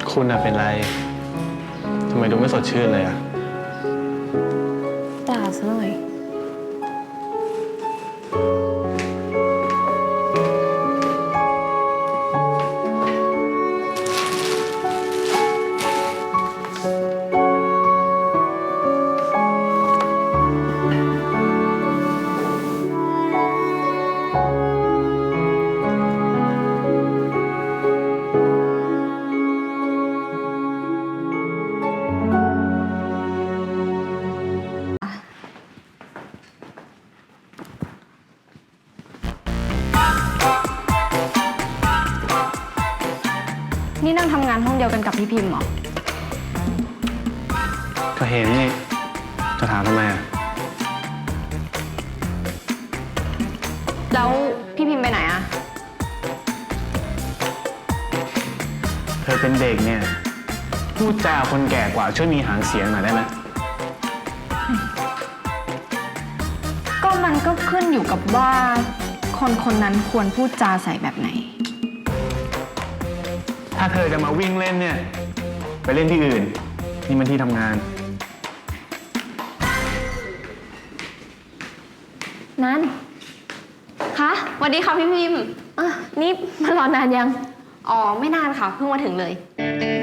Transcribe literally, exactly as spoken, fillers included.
คุณอะเป็นไรทำไมดูไม่สดชื่นเลยอะด่าซะหน่อยนี่นั่งทำงานห้องเดียวกันกับพี่พิมพ์เหรอก็เห็นนี่จะถามทำไมอะแล้วพี่พิมพ์ไปไหนอะเธอเป็นเด็กเนี่ยพูดจาคนแก่กว่าช่วยมีหางเสียงหน่อยได้ไหมก็มันก็ขึ้นอยู่กับว่าคนคนนั้นควรพูดจาใส่แบบไหนถ้าเธอจะมาวิ่งเล่นเนี่ยไปเล่นที่อื่นนี่มันที่ทำงานนั่นคะสวัสดีค่ะพี่พิมพ์อ่ะนี่มารอนานยัง อ๋อ ไม่นานค่ะ เพิ่งมาถึงเลย